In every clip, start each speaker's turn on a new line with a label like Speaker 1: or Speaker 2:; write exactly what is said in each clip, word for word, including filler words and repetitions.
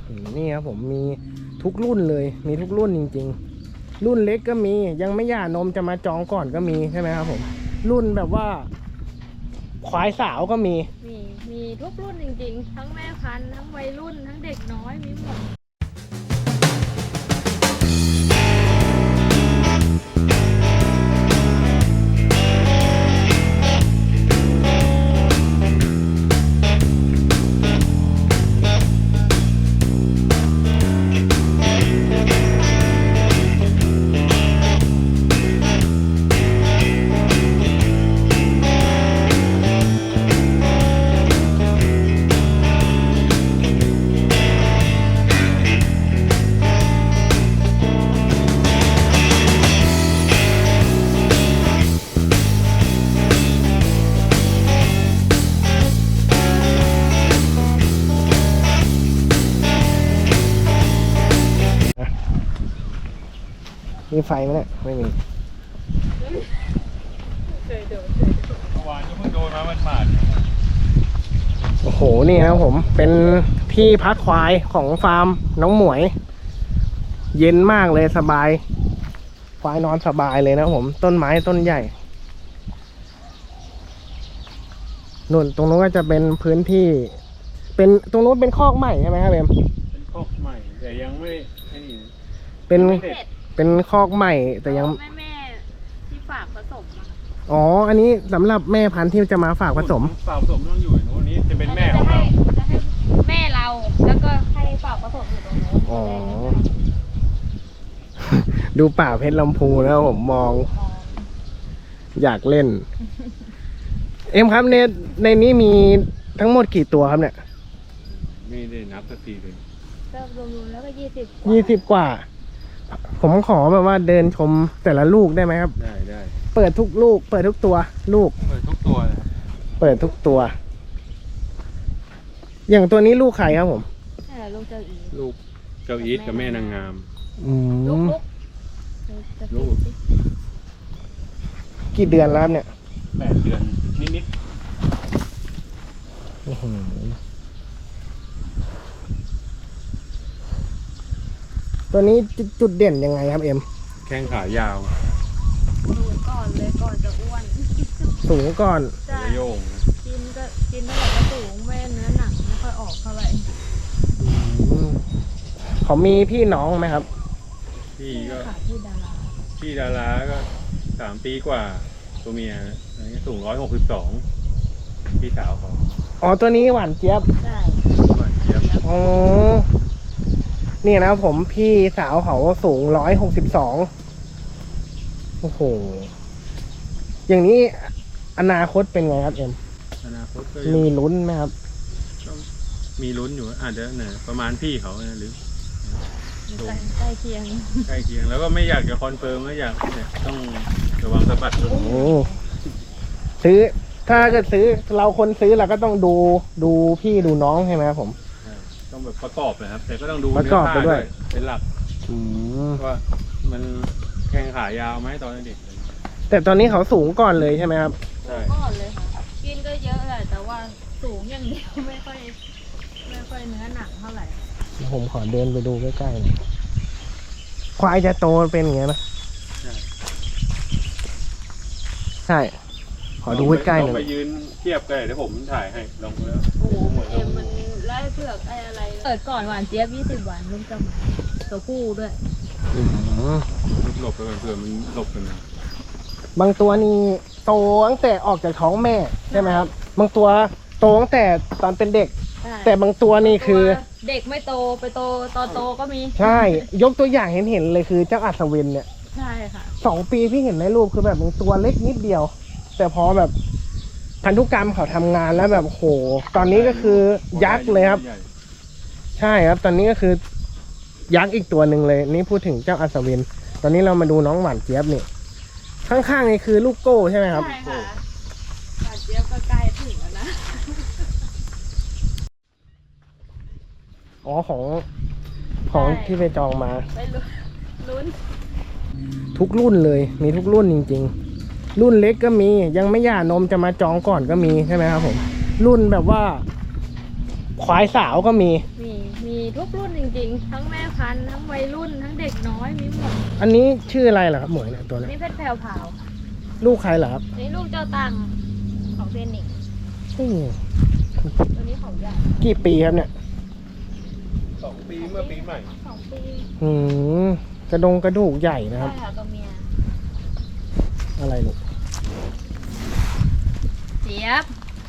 Speaker 1: นี่ครับผมมีทุกรุ่นเลยมีทุกรุ่นจริงๆรุ่นเล็กก็มียังไม่หย่านมจะมาจองก่อนก็มีใช่ไหมครับผมรุ่นแบบว่าควายสาวก็มี
Speaker 2: มีมีทุกรุ่นจริงๆทั้งแม่พันธุ์ทั้งวัยรุ่นทั้งเด็กน้อยมีหมด
Speaker 1: มีไฟไหมเนี่ยไม่มี
Speaker 2: เคยโดน
Speaker 3: เมื่อวานก็เพิ่งโดนมามันหมาด
Speaker 1: โอ้โหนี่นะครับผมเป็นที่พักควายของฟาร์มน้องหมวยเย็นมากเลยสบายควายนอนสบายเลยนะผมต้นไม้ต้นใหญ่นู่นตรงนู้นก็จะเป็นพื้นที่เป็นตรงนู้นเป็นคอกใหม่ใช่ไหมครับเอ็ม
Speaker 3: เป็นคอกใหม่แต่ยังไม่ไอ้นี่
Speaker 1: เป็นเป็นคอกใหม่แต่ยัง
Speaker 2: แม่แม่ที่ฝากผสม
Speaker 1: อ๋ออันนี้สำหรับแม่พันธุ์ที่จะมาฝากผสม
Speaker 3: ฝากผสมต้องอยู่ตรงนี้จะเป็นแม่ของเรา
Speaker 2: จะให้แม่เราแล้วก็ให้ฝากผสมอยู่ตรงนู้น
Speaker 1: อ๋อดูป่าเพชรลำพูแล้วผมมองอยากเล่นเอ็มครับในในนี้มีทั้งหมดกี่ตัวครับเนี่ย
Speaker 3: ไม่ได้นับสักทีเลย
Speaker 2: ก็รวมๆแล้วก็ยี่สิบ
Speaker 1: ยี่สิบกว่าผมขอแบบว่าเดินชมแต่ละลูกได้ไหมครับ
Speaker 3: ได้ได้
Speaker 1: เปิดทุกลูกเปิดทุกตัวลูก
Speaker 3: เปิดทุกตัวนะ
Speaker 1: เปิดทุกตัวอย่างตัวนี้ลูกใครครับผม
Speaker 2: ลูกเจ้าอี
Speaker 3: ลูกเจ้าอีทกับแม่นางงาม
Speaker 1: อืม
Speaker 3: ลูก
Speaker 1: กี่เดือนแล้วเนี่ย
Speaker 3: แปดเดือนนิด
Speaker 1: ๆตัวนี้จุดเด่นยังไงครับเอ็ม
Speaker 3: แข้งขายาว
Speaker 2: สูงก่อนเลยก่อนจะอ้วน
Speaker 1: สูงก่อน
Speaker 3: โยง
Speaker 2: กินก็กินเท่าไหร่ก็สูงแม่เนื้อหนังไม่ค่อยออกเท่าไหร่
Speaker 1: เขามีพี่น้องไหมครับ
Speaker 3: พี่ก็
Speaker 2: พี่ดารา
Speaker 3: พี่ดาราก็สามปีกว่าตัวเมียอันนี้สูงร้อยหกสิบสองพี่สาวเขา
Speaker 1: อ๋อตัวนี้หวานเจี๊ยบ
Speaker 2: ใช่
Speaker 3: หวานเจี๊ยบ
Speaker 1: อ๋อนี่นะผมพี่สาวเขาสูงร้อยหกสิบสองโอ้โหอย่างนี้อนาคตเป็นไงครับเอ็ม
Speaker 3: อนาคตก็
Speaker 1: มีลุ้นไหมครับ
Speaker 3: มีลุ้นอยู่อาจจะเนี่ยประมาณพี่เขาหรือ
Speaker 2: ใกล้เคียง
Speaker 3: ใกล้เคียงแล้วก็ไม่อยากจะคอนเฟิร์มไม่อยากเนี่ยต้องระวังสะบัดโอ้
Speaker 1: ซื้อถ้าเกิดซื้อเราคนซื้อเราก็ต้องดูดูพี่ดูน้องใช่ไหมครับผม
Speaker 3: ต้องแบบประกอบนะครับแต่ก็ต้องดู
Speaker 1: ประกอบไปด้วย
Speaker 3: เป็นหลักว่ามันแข้งขายาวไหมตอนนี้
Speaker 1: แต่ตอนนี้เขาสูงก่อนเลยใช่ไหมครับ
Speaker 2: สูงก่อนเลยค่ะกินก็เยอะแหละแต่ว่าสูงอย่างเดียวไม่ค่อยไม่ค่อยเนื้อหนังเท่าไหร่
Speaker 1: ผมขอเดินไปดูใกล้ๆหน่อยควายจะโตเป็นอย่างเงี้ยนะใช่ขอดูใกล้ๆหน่อย
Speaker 3: ไปยืนเทียบกันเดี๋ยวผมถ่ายให้ลองแล้ว
Speaker 2: โอ้โหเอ็มมันไล่เผือกไอ้อะไรเปิดก่อนหวานเจี๊ยบยี่สิบวันลูกจะมาตัวผู้ด้วย
Speaker 3: หลบไปก่อนเผื่อมันหลบกันนะ
Speaker 1: บางตัวนี่โตตั้งแต่ออกจากท้องแม่ใช่ไหมครับบางตัวโตตั้งแต่ตอนเป็นเด็กแต่บางตัวนี่คือ
Speaker 2: เด็กไม่โตไปโตตอนโตก็มี
Speaker 1: ใช่ยกตัวอย่างเห็นเห็นเลยคือเจ้าอัศวินเนี่ย
Speaker 2: ใช่ค่ะ
Speaker 1: สองปีพี่เห็นในรูปคือแบบตัวเล็กนิดเดียวแต่พอแบบพันธุกรรมเขาทำงานแล้วแบบโหตอนนี้ก็คือยักษ์เลยครับใช่ครับตอนนี้ก็คือยักษ์อีกตัวหนึ่งเลยนี่พูดถึงเจ้าอัศวินตอนนี้เรามาดูน้องหวานเจี๊ยบนี่ข้างๆนี่คือลูกโก้ใช่ไหมครับ
Speaker 2: ใช่ค่ะหวานเจี๊ยบก็ใกล้ถึงแล้วนะ
Speaker 1: อ๋อของของที่ไปจองมา
Speaker 2: ไปลุ้น
Speaker 1: ทุกรุ่นเลยมีทุกรุ่นจริงๆรุ่นเล็กก็มียังไม่หย่านมจะมาจองก่อนก็มีใช่ไหมครับผมรุ่นแบบว่าควายสาวก็มี
Speaker 2: มีมีทุกรุ่นจริงๆ ทั้งแม่พันธุ์ทั้งวัยรุ่นทั้งเด็กน้อยมีหมด
Speaker 1: อันนี้ชื่ออะไรเหรอครับหมวยเนี่ยตัวเนี้ย
Speaker 2: นี่เพชรแพรวพราว
Speaker 1: ลูกใครเหรอครับ
Speaker 2: นี่ลูกเจ้าตังของเฟนิกซ์
Speaker 1: อืม
Speaker 2: ตัวนี้ของใหญ่
Speaker 1: กี่ปีครับเนี่ย
Speaker 3: สองปีเมื่อปีใหม่
Speaker 2: สองปี
Speaker 1: อืมกระดงกระดูกใหญ่นะค
Speaker 2: ใช่
Speaker 1: รับ
Speaker 2: ค่ะตัวเมีย
Speaker 1: อะไรลูก
Speaker 2: เจี๊ยบ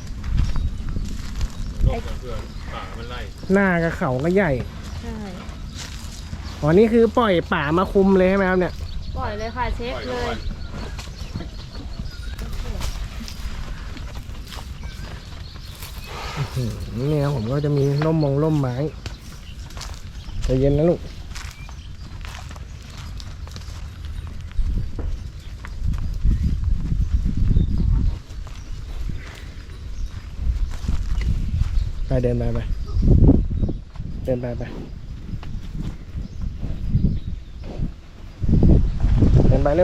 Speaker 3: โรคเพื่อนป่ามันไล่
Speaker 1: หน้ากับเขาก็ใหญ่
Speaker 2: ใช่
Speaker 1: อ๋อนี่คือปล่อยป่ามาคุมเลยใช่ไหมครับเนี่ย
Speaker 2: ปล่อยเลยค่ะเช็ค
Speaker 3: ปล่อย
Speaker 2: เล
Speaker 3: ทุก
Speaker 2: ย
Speaker 3: วัน
Speaker 1: อืมนี่ครับผมก็จะมีร่มมงร่มไม้ใจเย็นนะลูกไปเดินไปไปเดินไปไปเดินไปเร็ว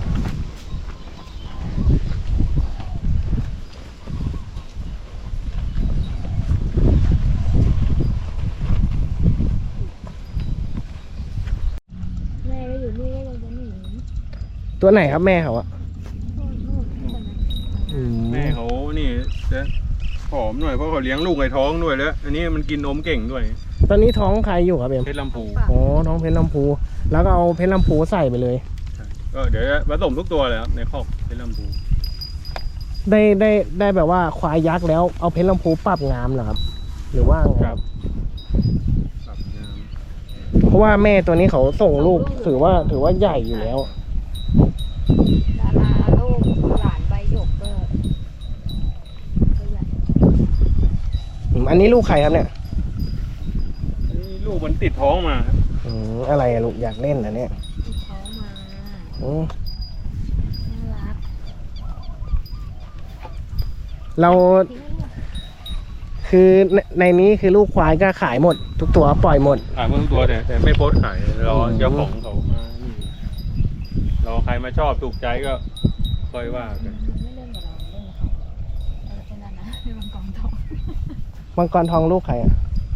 Speaker 2: แม่ก็อยู่นี่ก็ยังจะหนี
Speaker 1: ตัวไหนครับแม่เขาอะ
Speaker 2: นู่นนู่นใช่ไหม
Speaker 1: อืม
Speaker 3: แม่เขานี่จะผอมหน่อยเพราะเขาเลี้ยงลูกในท้องด้วยแล้ว อันนี้มันกินนมเก่งด้วย
Speaker 1: ตอนนี้ท้องใครอยู่ครับเอ็ม
Speaker 3: เพชรลำพู
Speaker 1: อ๋อท้องเพชรลำพู แล้วก็เอาเพชรลำพูใส่ไปเลย
Speaker 3: ก็เดี๋ยวจะผสมทุกตัวเลยครับในคอกเพชรลำพู
Speaker 1: ได้ได้ได้แบบว่าควายยักษ์แล้วเอาเพชรลำพูปรับงามเหรอครับ หรือว่าไงครับ
Speaker 3: ปรับงาม
Speaker 1: เพราะว่าแม่ตัวนี้เขาส่งลูกถือว่าถือว่าใหญ่อยู่แล้ว
Speaker 2: ดาราลูกหลานใบหยกก็ก็ใหญ่
Speaker 1: อืมอันนี้ลูกใครครับเนี่ย
Speaker 3: อันนี้ลูกมันติดท้องมาครับ
Speaker 1: อืมอะไรอะลูกอยากเล่นนะเนี่ย
Speaker 2: ติดท้องมา
Speaker 1: อืม
Speaker 2: น่ารัก
Speaker 1: เรา
Speaker 2: ทิ้งไว้ด้วย
Speaker 1: คือในในนี้คือลูกควายก็ขายหมด ทุกตัวปล่อยหมด
Speaker 3: ขายหมดทุกตัวแต่แต่ไม่โพสต์ขายรอ
Speaker 1: อืม
Speaker 3: เจ้าของเขามานี่รอใครมาชอบถูกใจก็ค่อยว่ากัน
Speaker 2: ไม่เล่นกับเราเล่นกับเขาเออเป็นนั่นนะเล่นมังกรทอง
Speaker 1: มังกรทองลูกใครอะ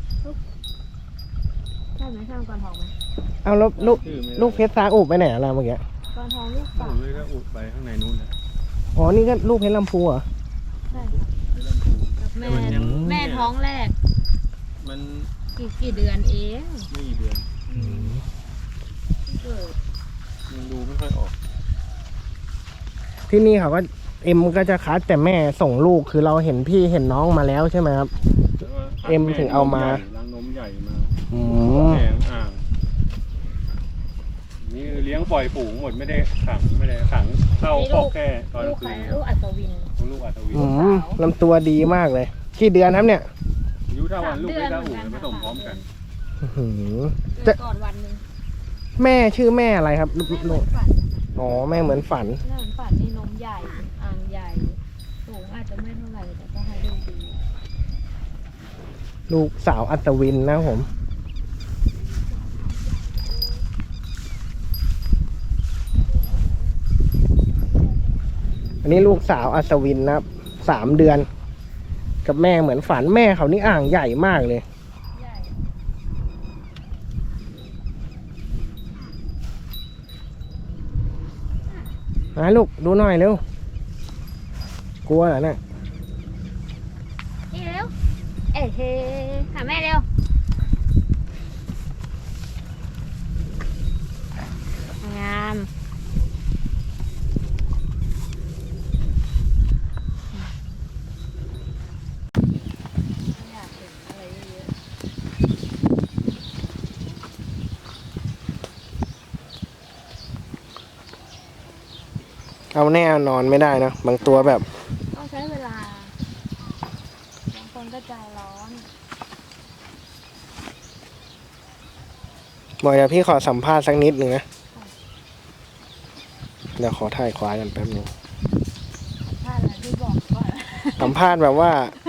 Speaker 2: ใช่ไหมใช่มังกรทองไหม
Speaker 1: เอาแล้วลูก
Speaker 3: ชื่อไม่ได้
Speaker 1: ลูกเพชรซาอุไปไหนอะล่ะเมื่อกี้
Speaker 2: มังกรทองลูก
Speaker 3: ผ
Speaker 2: ป่าม
Speaker 3: เลยก็อุดไปข้างในนู้นนะ
Speaker 1: อ๋อนี่ก็ลูกเพชรลำพูเหรอ
Speaker 2: ใช่
Speaker 3: เพชรลำพู
Speaker 2: กับแม่
Speaker 3: แต่มันยัง
Speaker 2: แม่ท้องแรก
Speaker 3: มัน
Speaker 2: กี่กี่เดือนเอง
Speaker 3: ไม่กี่เดือน
Speaker 2: เกิด
Speaker 3: ยังดูไม่ค่อยออก
Speaker 1: ที่นี่เขาก็เอ็มก็จะคัดแต่แม่ส่งลูกคือเราเห็นพี่เห็นน้องมาแล้วใช่ไหมครับ
Speaker 3: แต่ว่า
Speaker 1: เอ็มถึงเอามา
Speaker 3: ล้างนมใหญ่มา
Speaker 1: อืม
Speaker 3: แผงอ่างนี่เลี้ยงปล่อยฝูงหมดไม่ได้ขังไม่ได้ขังเข้าคอกแค่ตอน
Speaker 2: ลูก
Speaker 3: คื
Speaker 2: ใคร
Speaker 3: น
Speaker 2: ลูกอัศวิน
Speaker 3: ลูกอัตวิน
Speaker 1: อืมลำตัวดีมากเลยกี่เดือนครับเนี่ย
Speaker 3: อายุเท่าวันลูกไม่เท่า
Speaker 2: สาม
Speaker 3: อู่
Speaker 2: เดือน
Speaker 3: ผสมพร้อมกัน
Speaker 1: อื้อหือ
Speaker 2: เกิดก่อนวันหนึ่ง
Speaker 1: แม่ชื่อแม่อะไรครับ
Speaker 2: แม่เหมื
Speaker 1: ลู
Speaker 2: อน
Speaker 1: ก
Speaker 2: ฝัน
Speaker 1: อ๋อแม่เหมือนฝัน
Speaker 2: แม่เหมือนฝันนี่นมใหญ่อ่างใหญ่สูงอาจจะไม่เท่าไหร่แต่ก็ให้ดูดี
Speaker 1: ลูกสาวอัศวินนะครับผม อันนี้ลูกสาวอัศวินนะครับสามเดือน กับแม่เหมือนฝันแม่เขานี่อ่างใหญ่มากเลย
Speaker 2: ใหญ่
Speaker 1: มาลูกดูหน่อยเร็ว กลัวเหรอเนี่ย
Speaker 2: นี่เร็วเอ้ยเฮ้หาแม่เร็วงามอยากเห็นอะไรเยอะ
Speaker 1: เอาแน่นอนไม่ได้นะบางตัวแบบ
Speaker 2: ต้องใช้เวลาบางคนก็ใจร้อน
Speaker 1: บอกเดี๋ยวพี่ขอสัมภาษณ์สักนิดหนึ่งนะ เดี๋ยวขอถ่ายควายกันแป๊บนึง
Speaker 2: ถ้าอะไรที่บอกก่อน
Speaker 1: สัมภาษณ์แบบว่า